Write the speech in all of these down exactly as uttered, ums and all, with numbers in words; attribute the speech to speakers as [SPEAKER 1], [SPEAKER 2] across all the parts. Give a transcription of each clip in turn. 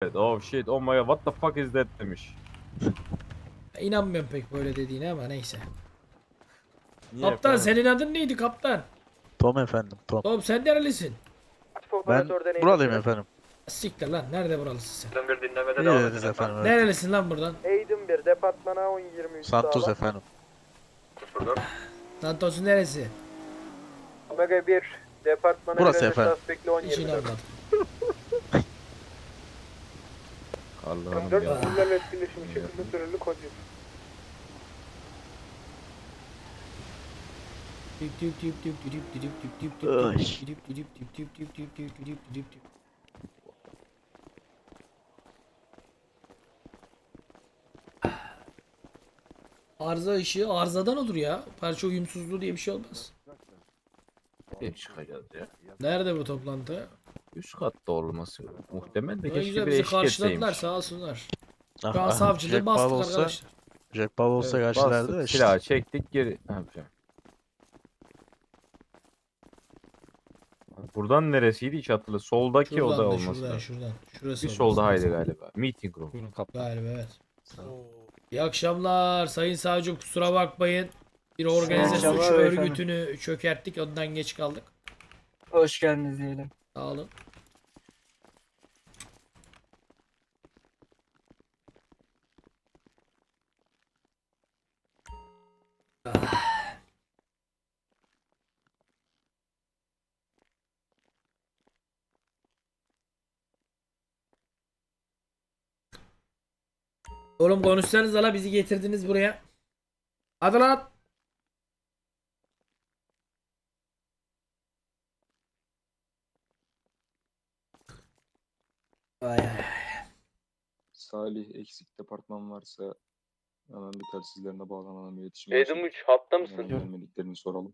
[SPEAKER 1] evet. Oh shit, oh my god, what the fuck is that demiş.
[SPEAKER 2] İnanmıyorum pek böyle dediğine ama neyse.
[SPEAKER 1] Niye
[SPEAKER 2] Kaptan
[SPEAKER 1] efendim?
[SPEAKER 2] senin adın neydi kaptan?
[SPEAKER 3] Tom efendim, Tom.
[SPEAKER 2] Oğlum sen nerelisin?
[SPEAKER 3] Ben buradayım efendim.
[SPEAKER 2] Siktir lan, nerede buralısın sen?
[SPEAKER 4] bir dinlemede
[SPEAKER 3] İyi
[SPEAKER 4] devam
[SPEAKER 3] dediniz
[SPEAKER 4] edin
[SPEAKER 3] efendim. Evet.
[SPEAKER 2] Nerelisin lan buradan?
[SPEAKER 5] Aydın bir departmana on yirmi üç
[SPEAKER 3] Santos
[SPEAKER 5] sağla.
[SPEAKER 3] efendim.
[SPEAKER 4] sıfır dört.
[SPEAKER 2] Santos'un neresi?
[SPEAKER 5] Omega bir departmana
[SPEAKER 3] Burası
[SPEAKER 5] göre
[SPEAKER 3] efendim.
[SPEAKER 5] suspektli on
[SPEAKER 2] Hiç
[SPEAKER 5] yirmi dört.
[SPEAKER 2] inanmadım.
[SPEAKER 1] Allah'ım
[SPEAKER 5] dört
[SPEAKER 1] ya.
[SPEAKER 5] bunlarla etkileşim şekilde süreli kod yok.
[SPEAKER 2] Arıza ışığı arızadan olur ya. Parça uyumsuzluğu diye bir şey olmaz.
[SPEAKER 1] Bir çıkacağız ya.
[SPEAKER 2] Nerede bu toplantı?
[SPEAKER 1] Üst katta olması muhtemel de
[SPEAKER 2] Ne
[SPEAKER 1] keşke
[SPEAKER 2] güzel
[SPEAKER 1] bir
[SPEAKER 2] bizi
[SPEAKER 1] eşlik
[SPEAKER 2] karşıladılar,
[SPEAKER 1] etseymiş.
[SPEAKER 2] sağ olsunlar.
[SPEAKER 3] Ah,
[SPEAKER 2] Şu an
[SPEAKER 3] ah,
[SPEAKER 2] savcılığı
[SPEAKER 3] Jack Paul
[SPEAKER 2] bastık
[SPEAKER 3] olsa,
[SPEAKER 2] arkadaşlar.
[SPEAKER 3] Jack Paul olsa
[SPEAKER 1] Evet,
[SPEAKER 3] karşılardı
[SPEAKER 1] bastık,
[SPEAKER 3] da işte.
[SPEAKER 1] silahı çektik geri. Ne yapacağım? Buradan neresiydi hiç hatırla. Soldaki
[SPEAKER 2] Şuradan
[SPEAKER 1] oda
[SPEAKER 2] da
[SPEAKER 1] olması
[SPEAKER 2] şuradan
[SPEAKER 1] lazım.
[SPEAKER 2] şuradan. Şurası
[SPEAKER 1] Bir
[SPEAKER 2] olması
[SPEAKER 1] solda haydi
[SPEAKER 2] lazım.
[SPEAKER 1] galiba. Meeting room.
[SPEAKER 3] Buyurun kaptan.
[SPEAKER 2] Galiba evet. İyi akşamlar sayın savcım, kusura bakmayın. Bir organize suç
[SPEAKER 6] akşamlar
[SPEAKER 2] örgütünü çökerttik, ondan geç kaldık.
[SPEAKER 6] Hoş geldiniz diyelim.
[SPEAKER 2] Sağ olun. Ah. Oğlum konuşsanız la, bizi getirdiniz buraya. Hadi lan. Ay ay.
[SPEAKER 7] Salih eksik departman varsa hemen bir telsizlerine bağlanalım, iletişim.
[SPEAKER 4] Edim üç hatta
[SPEAKER 7] Hemen
[SPEAKER 4] mısın?
[SPEAKER 7] gelmediklerini soralım.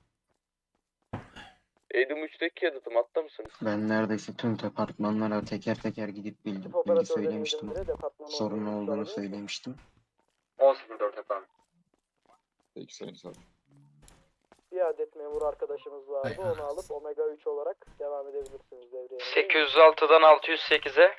[SPEAKER 4] Edim üçteki yadıtım hatta mısınız?
[SPEAKER 8] Ben neredeyse tüm departmanlara teker teker gidip bilgi, bilgi
[SPEAKER 5] Operatörleri
[SPEAKER 8] söylemiştim.
[SPEAKER 5] Aydın bire departmana
[SPEAKER 8] Sorun
[SPEAKER 5] on yirmi üç
[SPEAKER 8] olduğunu
[SPEAKER 5] sağla.
[SPEAKER 8] söylemiştim.
[SPEAKER 4] on sıfır dört efendim.
[SPEAKER 7] Peki sayın savcı.
[SPEAKER 5] Bir adet memur arkadaşımız vardı.
[SPEAKER 2] Ay,
[SPEAKER 5] Onu alıp Omega üç olarak devam edebilirsiniz devreye.
[SPEAKER 6] sekiz yüz altıdan altı yüz sekize.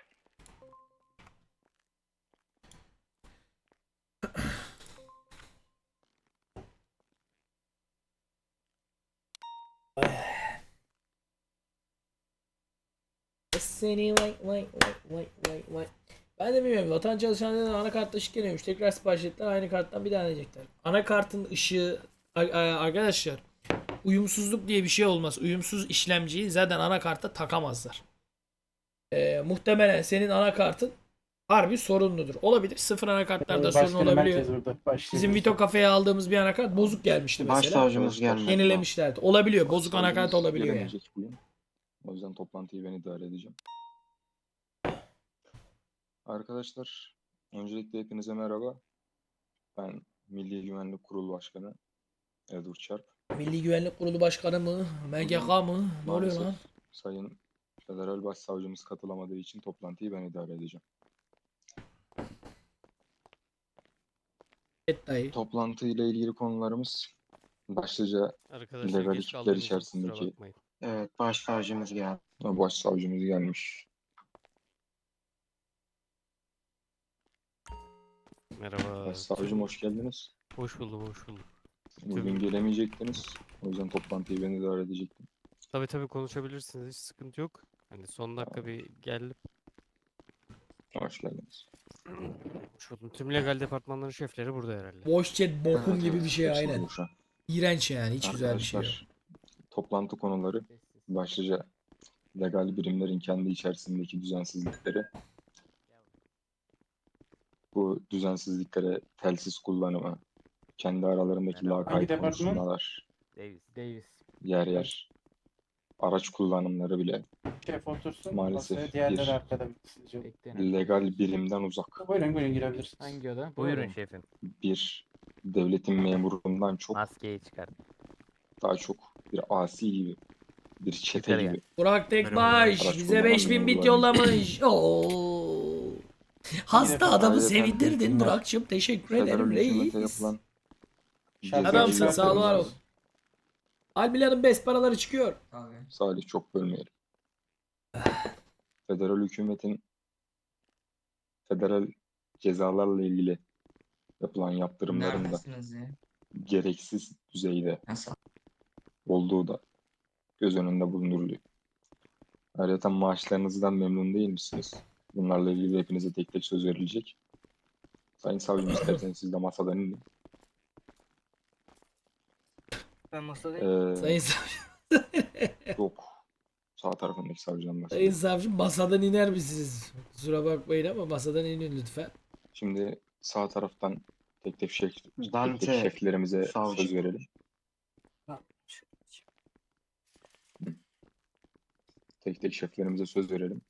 [SPEAKER 2] Seni vay vay vay vay vay vay. Ben de bilmiyorum. Vatan çalışanlarının anakartta ışık geliyormuş. Tekrar sipariş ettiler. Aynı karttan bir daha deneyecekler. Anakartın ışığı a- a- arkadaşlar, uyumsuzluk diye bir şey olmaz. Uyumsuz işlemciyi zaten anakarta takamazlar. Ee, muhtemelen senin anakartın harbi sorunludur. Olabilir. Sıfır anakartlarda sorun olabiliyor. Bizim Vito kafeye aldığımız bir anakart bozuk gelmişti mesela.
[SPEAKER 8] Başsavcımız gelmedi.
[SPEAKER 2] Yenilemişlerdi. Olabiliyor. Bozuk
[SPEAKER 7] Savcımız
[SPEAKER 2] anakart olabiliyor yani.
[SPEAKER 7] gelemeyecek bugün. O yüzden toplantıyı ben idare edeceğim. Arkadaşlar, öncelikle hepinize merhaba. Ben Milli Güvenlik Kurulu Başkanı Edward Çarp.
[SPEAKER 2] Milli Güvenlik Kurulu Başkanı mı? M G K mı? Ne oluyor
[SPEAKER 7] Maalesef
[SPEAKER 2] lan?
[SPEAKER 7] Sayın Federal Başsavcımız katılamadığı için toplantıyı ben idare edeceğim.
[SPEAKER 2] Evet dayı.
[SPEAKER 7] Toplantı ile ilgili konularımız başlıca
[SPEAKER 9] Arkadaşlar
[SPEAKER 7] legal
[SPEAKER 9] geç
[SPEAKER 7] ekipler
[SPEAKER 9] kaldığımız için kusura
[SPEAKER 7] içerisindeki
[SPEAKER 9] bakmayın.
[SPEAKER 8] Evet, başsavcımız geldi.
[SPEAKER 7] başsavcımız gelmiş.
[SPEAKER 9] Merhaba.
[SPEAKER 7] Başsavcım hoş geldiniz.
[SPEAKER 9] Hoş buldum, hoş buldum.
[SPEAKER 7] Bugün gelemeyecektiniz. O yüzden toplantıyı ben idare edecektim.
[SPEAKER 9] Tabii tabii konuşabilirsiniz, hiç sıkıntı yok. Hani son dakika bir geldim.
[SPEAKER 7] Hoş geldiniz.
[SPEAKER 9] Hoş buldum. Tüm legal departmanların şefleri burada herhalde.
[SPEAKER 2] Boş chat bokum
[SPEAKER 7] Evet,
[SPEAKER 2] gibi
[SPEAKER 7] evet.
[SPEAKER 2] bir şey
[SPEAKER 7] Hepsi
[SPEAKER 2] aynen.
[SPEAKER 7] boşa.
[SPEAKER 2] İğrenç yani, hiç güzel bir şey yok.
[SPEAKER 7] Arkadaşlar, toplantı konuları başlıca legal birimlerin kendi içerisindeki düzensizlikleri, bu düzensizliklere telsiz kullanımı, kendi aralarındaki lakayt konuşmalar,
[SPEAKER 9] Davis. Davis.
[SPEAKER 7] yer yer araç kullanımları bile
[SPEAKER 6] Şef otursun.
[SPEAKER 7] maalesef
[SPEAKER 6] masaya, diğerleri
[SPEAKER 7] bir
[SPEAKER 6] arkada bitsin.
[SPEAKER 7] legal birimden uzak,
[SPEAKER 6] Buyurun buyurun girebilirsiniz.
[SPEAKER 9] Hangi oda?
[SPEAKER 6] Buyurun
[SPEAKER 9] şefim.
[SPEAKER 7] bir devletin memurundan çok
[SPEAKER 9] Maskeyi çıkar.
[SPEAKER 7] daha çok bir asi gibi, bir çete
[SPEAKER 9] Yukarıya.
[SPEAKER 7] gibi.
[SPEAKER 2] Burak Tekbaş
[SPEAKER 7] Araç
[SPEAKER 2] bize
[SPEAKER 7] kullanan
[SPEAKER 2] beş bin bit
[SPEAKER 7] memurların-
[SPEAKER 2] yollamış. Oo. Hasta adamı
[SPEAKER 7] Ayrıca
[SPEAKER 2] sevindirdin
[SPEAKER 7] hükümet-
[SPEAKER 2] Burak'cığım. Teşekkür
[SPEAKER 7] Federal
[SPEAKER 2] ederim
[SPEAKER 7] hükümete
[SPEAKER 2] reis.
[SPEAKER 7] yapılan
[SPEAKER 2] Adamsın,
[SPEAKER 7] cezai
[SPEAKER 2] sağ ol, var ol.
[SPEAKER 7] yaptırımlar-
[SPEAKER 2] Albilerin best paraları çıkıyor.
[SPEAKER 7] Salih çok bölmeyelim. Federal hükümetin federal cezalarla ilgili yapılan yaptırımların da
[SPEAKER 8] Neredesiniz ya?
[SPEAKER 7] gereksiz düzeyde
[SPEAKER 8] Nasıl?
[SPEAKER 7] olduğu da göz önünde bulunduruluyor. Ayrıca maaşlarınızdan memnun değil misiniz? Bunlarla ilgili hepinize tek tek söz verilecek. Sayın savcım, isterseniz siz de masadan inin.
[SPEAKER 6] Ben masadayım.
[SPEAKER 7] Ee,
[SPEAKER 2] Sayın savcı.
[SPEAKER 7] yok. Sağ tarafındaki savcıdan
[SPEAKER 2] Sayın
[SPEAKER 7] bahsediyorum.
[SPEAKER 2] savcım masadan iner misiniz? Kusura bakmayın ama masadan inin lütfen.
[SPEAKER 7] Şimdi sağ taraftan tek tek şef, tek
[SPEAKER 8] Dante
[SPEAKER 7] tek şeflerimize
[SPEAKER 8] savcı.
[SPEAKER 7] söz verelim. Tek tek şeflerimize söz verelim.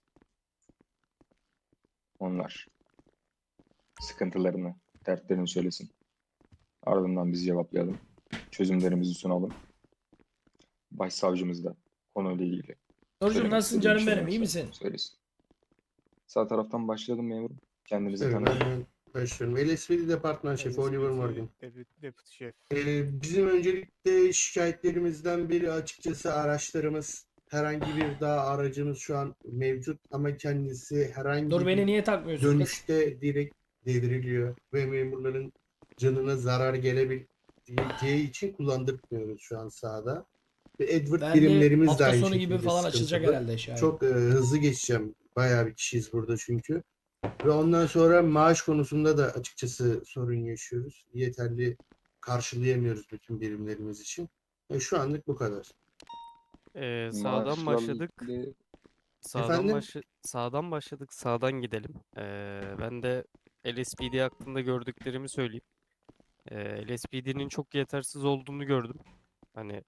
[SPEAKER 7] Onlar sıkıntılarını, dertlerini söylesin. Ardından biz cevaplayalım. Çözümlerimizi sunalım. Başsavcımız da konuyla ilgili.
[SPEAKER 2] Nurcuğum
[SPEAKER 7] söylemek
[SPEAKER 2] nasılsın
[SPEAKER 7] istediği
[SPEAKER 2] canım
[SPEAKER 7] bir şey
[SPEAKER 2] benim? İyi
[SPEAKER 7] varsa
[SPEAKER 2] misin?
[SPEAKER 7] Söylesin. Sağ taraftan başlayalım memurum. Kendinizi
[SPEAKER 10] Evet,
[SPEAKER 7] tanıyın.
[SPEAKER 10] ben başlıyorum. L S P D Departman Şefi Oliver Morgan.
[SPEAKER 9] Deputy Şef.
[SPEAKER 10] Ee, bizim öncelikle şikayetlerimizden biri açıkçası araçlarımız. Herhangi bir daha aracımız şu an mevcut ama kendisi herhangi
[SPEAKER 2] Dur
[SPEAKER 10] bir
[SPEAKER 2] beni niye takmıyorsun kız?
[SPEAKER 10] dönüşte direkt devriliyor ve memurların canına zarar gelebileceği için kullandırmıyoruz şu an sahada. Ve Edward
[SPEAKER 2] Ben de
[SPEAKER 10] birimlerimiz de
[SPEAKER 2] hafta
[SPEAKER 10] aynı
[SPEAKER 2] sonu gibi
[SPEAKER 10] şekilde
[SPEAKER 2] falan açılacak
[SPEAKER 10] sıkıntılı.
[SPEAKER 2] herhalde şahit.
[SPEAKER 10] Çok e, hızlı geçeceğim. Bayağı bir kişiyiz burada çünkü. Ve ondan sonra maaş konusunda da açıkçası sorun yaşıyoruz. Yeterli karşılayamıyoruz bütün birimlerimiz için. E, şu anlık bu kadar.
[SPEAKER 9] Ee, sağdan
[SPEAKER 7] Maaşlarla
[SPEAKER 9] başladık.
[SPEAKER 7] ilgili
[SPEAKER 9] Sağdan
[SPEAKER 10] Efendim?
[SPEAKER 9] başla sağdan başladık. Sağdan gidelim. Ee, ben de L S P D hakkında gördüklerimi söyleyeyim. Ee, L S P D'nin çok yetersiz olduğunu gördüm. Hani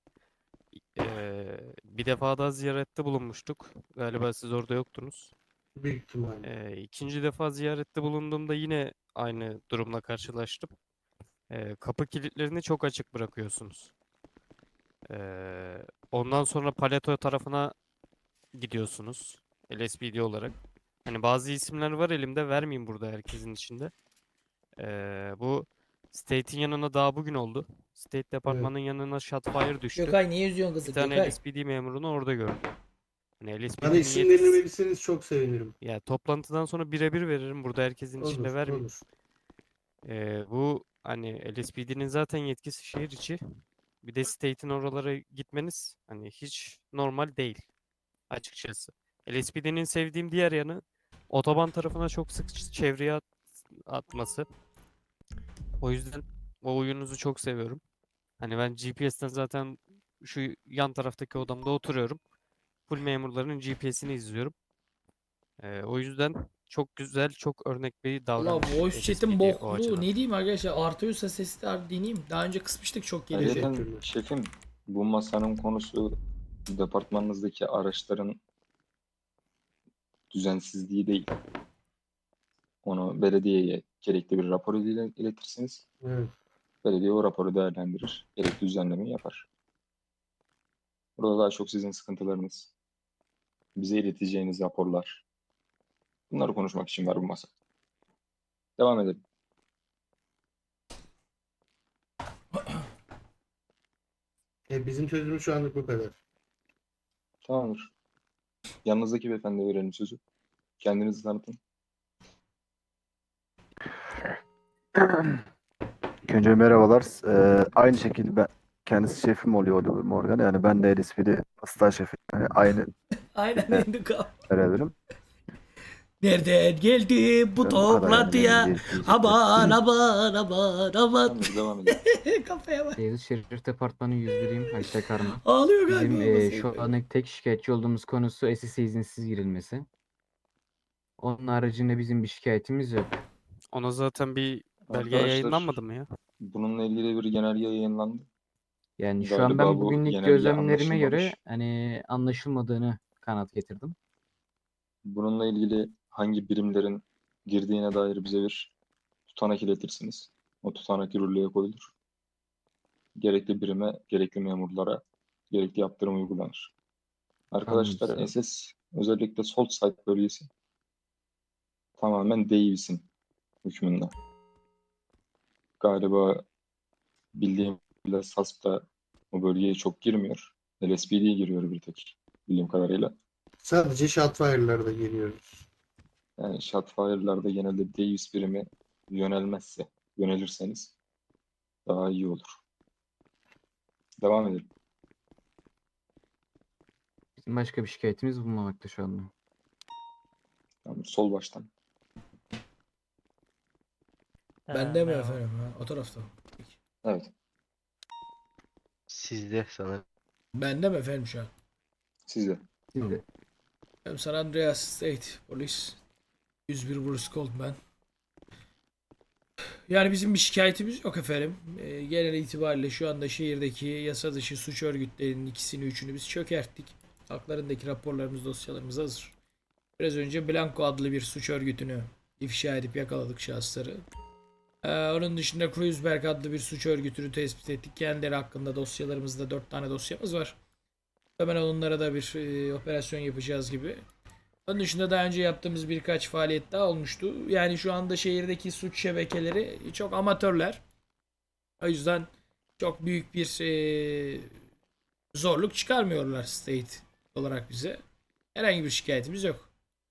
[SPEAKER 9] ee, bir defa daha ziyarette bulunmuştuk. Galiba siz orada yoktunuz.
[SPEAKER 10] Büyük ihtimalle.
[SPEAKER 9] Ee, ikinci defa ziyarette bulunduğumda yine aynı durumla karşılaştım. Ee, kapı kilitlerini çok açık bırakıyorsunuz. Ee, ondan sonra Paleto tarafına gidiyorsunuz. L S P D olarak. Hani bazı isimler var elimde, vermeyeyim burada herkesin içinde. Ee, bu State'in yanına daha bugün oldu. State Departmanı'nın yanına shotfire düştü.
[SPEAKER 2] Gökay niye üzüyorsun
[SPEAKER 9] Bir
[SPEAKER 2] kızı?
[SPEAKER 9] tane
[SPEAKER 2] Gökay.
[SPEAKER 9] L S P D memurunu orada gördüm. Hani
[SPEAKER 10] Bana
[SPEAKER 9] L S P D'nin
[SPEAKER 10] isimlerini
[SPEAKER 9] yetkisi...
[SPEAKER 10] verirseniz çok sevinirim.
[SPEAKER 9] Ya toplantıdan sonra birebir veririm. Burada herkesin içinde
[SPEAKER 10] Olur,
[SPEAKER 9] vermeyeyim.
[SPEAKER 10] olur.
[SPEAKER 9] Ee, bu hani L S P D'nin zaten yetkisi şehir içi. Bir de State'in oralara gitmeniz hani hiç normal değil açıkçası. L S P D'nin sevdiğim diğer yanı otoban tarafına çok sık ç- çevreye at- atması. O yüzden o oyununuzu çok seviyorum. Hani ben G P S'ten zaten şu yan taraftaki odamda oturuyorum. Full memurların G P S'ini izliyorum. Ee, o yüzden çok güzel, çok örnek bir
[SPEAKER 2] Allah
[SPEAKER 9] davranış.
[SPEAKER 2] voice
[SPEAKER 9] L S
[SPEAKER 2] chat'in
[SPEAKER 9] P D o
[SPEAKER 2] bokluğu.
[SPEAKER 9] açıdan.
[SPEAKER 2] Ne diyeyim arkadaşlar? Artıyorsa sesi de deneyeyim. Daha önce kısmıştık çok geliyor.
[SPEAKER 7] Ayrıca
[SPEAKER 10] Teşekkürler.
[SPEAKER 7] şefim, bu masanın konusu departmanınızdaki araçların düzensizliği değil. Onu belediyeye gerekli bir rapor ile iletirsiniz.
[SPEAKER 10] Evet.
[SPEAKER 7] Belediye o raporu değerlendirir. Gerekli düzenlemeyi yapar. Burada daha çok sizin sıkıntılarınız, bize ileteceğiniz raporlar. Bunları konuşmak için var bu masa. Devam edelim.
[SPEAKER 10] E, bizim sözümüz şu anlık bu kadar.
[SPEAKER 7] Tamamdır. Yanınızdaki beyefendiye verelim sözü. Kendinizi tanıtın.
[SPEAKER 3] İlk önce merhabalar. Ee, aynı şekilde ben kendisi şefim oluyor Oliver Morgan. Yani ben de L S P D hasta şefi. Yani aynı
[SPEAKER 2] Aynen
[SPEAKER 3] Evet.
[SPEAKER 2] indik abi.
[SPEAKER 3] beraberim.
[SPEAKER 2] Nereden geldi bu
[SPEAKER 3] Ben bu kadar yani,
[SPEAKER 2] toplantıya?
[SPEAKER 3] benim diyecek-
[SPEAKER 2] Aman aman aman aman.
[SPEAKER 7] Tamamdır, devam edelim.
[SPEAKER 2] Kafaya bak.
[SPEAKER 8] Beyazıt Şerif Departmanı yüz biriyim. Haşta Karma.
[SPEAKER 2] Ağlıyor galiba.
[SPEAKER 8] Bizim e,
[SPEAKER 2] babası.
[SPEAKER 8] şu an tek şikayetçi olduğumuz konusu S S'e izinsiz girilmesi. Onun haricinde bizim bir şikayetimiz yok.
[SPEAKER 9] Ona zaten bir belge
[SPEAKER 7] Arkadaşlar,
[SPEAKER 9] yayınlanmadı mı ya?
[SPEAKER 7] bununla ilgili bir genelge yayınlandı.
[SPEAKER 8] Yani şu an
[SPEAKER 7] Galiba
[SPEAKER 8] ben
[SPEAKER 7] bu
[SPEAKER 8] bugünlük
[SPEAKER 7] genelge
[SPEAKER 8] gözlemlerime göre
[SPEAKER 7] anlaşılmamış.
[SPEAKER 8] hani anlaşılmadığını kanıt getirdim.
[SPEAKER 7] Bununla ilgili hangi birimlerin girdiğine dair bize bir tutanak iletirsiniz. O tutanak yürürlüğe koyulur. Gerekli birime, gerekli memurlara gerekli yaptırım uygulanır. Arkadaşlar,
[SPEAKER 8] Anladım.
[SPEAKER 7] S S özellikle Salt Side bölgesi tamamen Davis'in hükmünde. Galiba bildiğim kadarıyla S A S da o bölgeye çok girmiyor. L S P D giriyor bir tek bildiğim kadarıyla.
[SPEAKER 10] Sadece Shotfire'larda geliyoruz.
[SPEAKER 7] Yani Shotfire'larda genelde Davis birimi yönelmezse, yönelirseniz daha iyi olur. Devam edelim.
[SPEAKER 8] Bizim başka bir şikayetimiz bulunmamakta şu anda.
[SPEAKER 7] Tamam, sol baştan.
[SPEAKER 2] Bende mi efendim? Ha, o tarafta mı? Peki.
[SPEAKER 7] Evet,
[SPEAKER 11] Sizde sanırım.
[SPEAKER 2] Bende mi efendim şu an?
[SPEAKER 7] sizde.
[SPEAKER 8] Siz de.
[SPEAKER 2] Ben San Andreas State Polis. yüz bir Bruce Goldman. Yani bizim bir şikayetimiz yok efendim. Ee, genel itibariyle şu anda şehirdeki yasa dışı suç örgütlerinin ikisini üçünü biz çökerttik. Haklarındaki raporlarımız, dosyalarımız hazır. Biraz önce Blanco adlı bir suç örgütünü ifşa edip yakaladık şahısları. Ee, onun dışında Kreuzberg adlı bir suç örgütünü tespit ettik. Kendileri hakkında dosyalarımızda dört tane dosyamız var. Hemen onlara da bir e, operasyon yapacağız gibi. Onun dışında daha önce yaptığımız birkaç faaliyet daha olmuştu. Yani şu anda şehirdeki suç şebekeleri çok amatörler. O yüzden çok büyük bir e, zorluk çıkarmıyorlar state olarak bize. Herhangi bir şikayetimiz yok.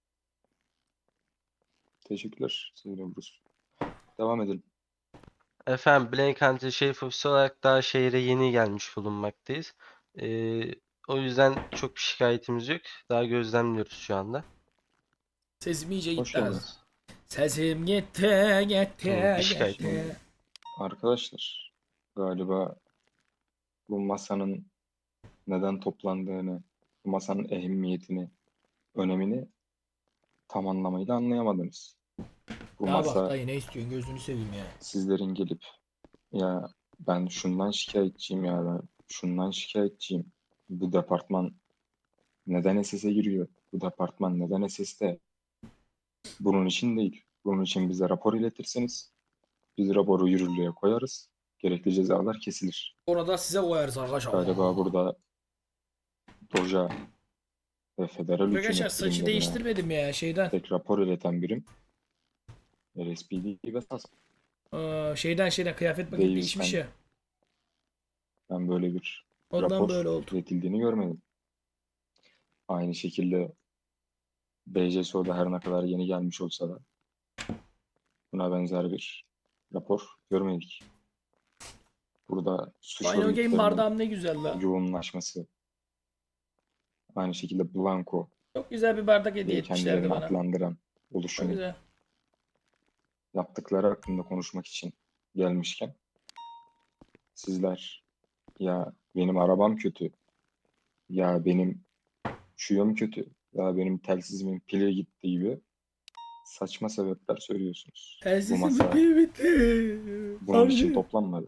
[SPEAKER 7] Teşekkürler Sayın Bruce. Devam edelim.
[SPEAKER 11] Efendim Blaine County Şerif Ofisi olarak daha şehire yeni gelmiş bulunmaktayız. Ee, o yüzden çok bir şikayetimiz yok. Daha gözlemliyoruz şu anda.
[SPEAKER 2] Sesim iyice
[SPEAKER 7] Hoş
[SPEAKER 2] gitti az.
[SPEAKER 7] geldiniz.
[SPEAKER 2] Sesim gitti gitti
[SPEAKER 11] Tamam, bir şikayetim
[SPEAKER 2] gitti.
[SPEAKER 11] yok.
[SPEAKER 7] Arkadaşlar, galiba bu masanın neden toplandığını, bu masanın ehemmiyetini, önemini tam anlamıyla anlayamadınız. Bu
[SPEAKER 2] Ya bak
[SPEAKER 7] masa
[SPEAKER 2] dayı ne istiyorsun gözünü seveyim ya.
[SPEAKER 7] sizlerin gelip ya ben şundan şikayetçiyim ya ben şundan şikayetçiyim. Bu departman neden S S'e giriyor? Bu departman neden S S'te? Bunun için değil. Bunun için bize rapor iletirseniz biz raporu yürürlüğe koyarız. Gerekli cezalar kesilir.
[SPEAKER 2] Orada size koyarız arkadaşlar.
[SPEAKER 7] Galiba burada Doja ve federal
[SPEAKER 2] Arkadaşlar
[SPEAKER 7] hükümet
[SPEAKER 2] saçı
[SPEAKER 7] birimlerine
[SPEAKER 2] değiştirmedim ya şeyden.
[SPEAKER 7] tek rapor ileten birim L S P D ve S A S.
[SPEAKER 2] Aa, şeyden şeyden kıyafet paketi
[SPEAKER 7] Davis,
[SPEAKER 2] değişmiş
[SPEAKER 7] ben-
[SPEAKER 2] ya.
[SPEAKER 7] Ben böyle bir
[SPEAKER 2] Ondan
[SPEAKER 7] rapor
[SPEAKER 2] böyle oldu.
[SPEAKER 7] iletildiğini görmedim. Aynı şekilde B J S O'da her ne kadar yeni gelmiş olsa da buna benzer bir rapor görmedik. Burada suç
[SPEAKER 2] Aynı o game
[SPEAKER 7] örgütlerinin
[SPEAKER 2] bardağım ne güzel la.
[SPEAKER 7] yoğunlaşması, aynı şekilde Blanco
[SPEAKER 2] Çok güzel bir bardak hediye
[SPEAKER 7] diye
[SPEAKER 2] etmişlerdi
[SPEAKER 7] kendilerini
[SPEAKER 2] bana.
[SPEAKER 7] adlandıran
[SPEAKER 2] Çok
[SPEAKER 7] oluşumun
[SPEAKER 2] güzel.
[SPEAKER 7] yaptıkları hakkında konuşmak için gelmişken sizler ya benim arabam kötü, ya benim şuyum kötü, ya benim telsizimin pili gitti gibi saçma sebepler söylüyorsunuz. Bu
[SPEAKER 2] Telsisim
[SPEAKER 7] masa
[SPEAKER 2] pili bitti.
[SPEAKER 7] bunun için
[SPEAKER 2] Savcım,
[SPEAKER 7] toplanmadı.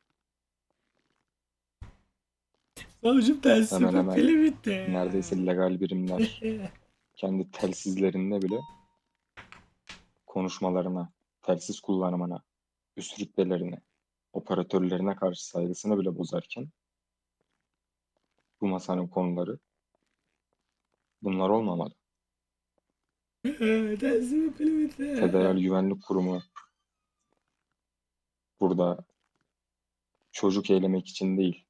[SPEAKER 2] savcım
[SPEAKER 7] Hemen
[SPEAKER 2] telsisim
[SPEAKER 7] hemen
[SPEAKER 2] pili bitti.
[SPEAKER 7] neredeyse legal birimler kendi telsizlerinde bile konuşmalarına, telsiz kullanımına, üst rütbelerine, operatörlerine karşı saygısını bile bozarken bu masanın konuları bunlar olmamalı.
[SPEAKER 2] Telsisim pili bitti.
[SPEAKER 7] Federal Güvenlik Kurumu burada çocuk eylemek için değil,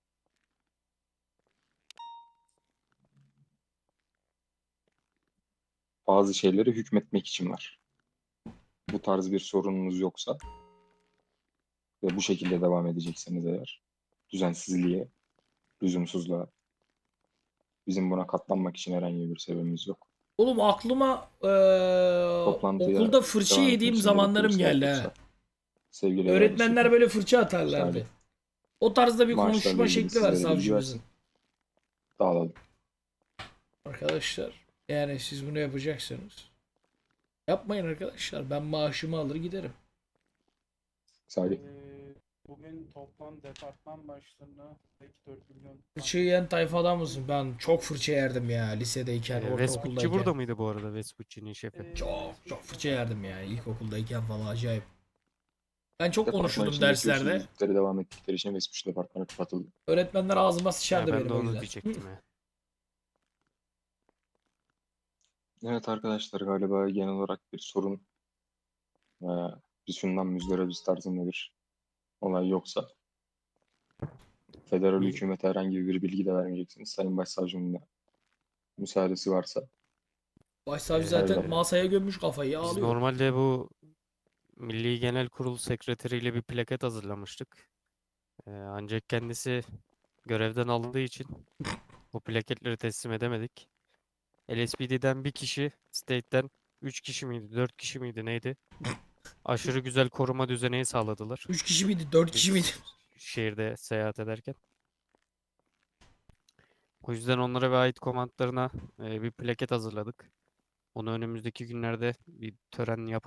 [SPEAKER 7] bazı şeyleri hükmetmek için var. Bu tarz bir sorununuz yoksa ve bu şekilde devam edecekseniz eğer, düzensizliğe, lüzumsuzluğa, bizim buna katlanmak için herhangi bir sebebimiz yok.
[SPEAKER 2] Oğlum aklıma eee,
[SPEAKER 7] Toplantıya
[SPEAKER 2] okulda fırça
[SPEAKER 7] devam
[SPEAKER 2] yediğim
[SPEAKER 7] etmek için
[SPEAKER 2] zamanlarım
[SPEAKER 7] gerekli bir
[SPEAKER 2] geldi
[SPEAKER 7] sebep
[SPEAKER 2] ha.
[SPEAKER 7] yoksa, sevgili
[SPEAKER 2] Öğretmenler
[SPEAKER 7] öğrencilerim,
[SPEAKER 2] böyle fırça atarlardı.
[SPEAKER 7] Salih,
[SPEAKER 2] O tarzda bir
[SPEAKER 7] maaşlarla
[SPEAKER 2] konuşma
[SPEAKER 7] ilgili
[SPEAKER 2] şekli var
[SPEAKER 7] sizlere bilgi
[SPEAKER 2] savcımızın.
[SPEAKER 7] versin. Dağılalım.
[SPEAKER 2] Arkadaşlar yani siz bunu yapacaksınız. Yapmayın arkadaşlar. Ben maaşımı alır giderim.
[SPEAKER 7] Salih,
[SPEAKER 6] Bugün toplam departman başlarına dört milyon.
[SPEAKER 2] Fırça yiyen tayfadan mısın? Ben çok fırça yerdim ya lisedeyken,
[SPEAKER 9] Ee, Vespucci
[SPEAKER 2] ortaokuldayken.
[SPEAKER 9] burada mıydı bu arada, Vespucci'nin şefi?
[SPEAKER 2] Çok çok fırça yerdim yani ilkokuldayken falan acayip. Ben çok
[SPEAKER 7] departman
[SPEAKER 2] konuşurdum
[SPEAKER 7] içindeki
[SPEAKER 2] derslerde.
[SPEAKER 7] usulsüzlükleri devam ettikleri için Vespucci departmanı kapatıldı.
[SPEAKER 2] Öğretmenler ağzıma
[SPEAKER 9] Ya
[SPEAKER 2] sıçardı
[SPEAKER 9] ben
[SPEAKER 2] benim
[SPEAKER 9] de
[SPEAKER 2] o
[SPEAKER 9] onu
[SPEAKER 2] yüzden.
[SPEAKER 9] diyecektim ya.
[SPEAKER 7] Evet arkadaşlar, galiba genel olarak bir sorun veya bir şundan müzdaribiz tarzında bir olay yoksa federal
[SPEAKER 9] İyi.
[SPEAKER 7] hükümete herhangi bir bilgi de vermeyeceksiniz. Sayın Başsavcımın da müsaadesi varsa
[SPEAKER 2] Başsavcı
[SPEAKER 9] Ee,
[SPEAKER 2] zaten
[SPEAKER 7] Evet.
[SPEAKER 2] masaya gömmüş kafayı
[SPEAKER 9] Biz
[SPEAKER 2] ağlıyor.
[SPEAKER 9] normalde bu Milli Genel Kurul sekreteriyle bir plaket hazırlamıştık. Ee, ancak kendisi görevden alındığı için bu plaketleri teslim edemedik. L S P D'den bir kişi, State'den üç kişi miydi, dört kişi miydi neydi? Aşırı güzel koruma düzeneği sağladılar.
[SPEAKER 2] üç kişi miydi? dört kişi miydi?
[SPEAKER 9] Biz şehirde seyahat ederken. O yüzden onlara ve ait komandlarına e, bir plaket hazırladık. Onu önümüzdeki günlerde bir tören yap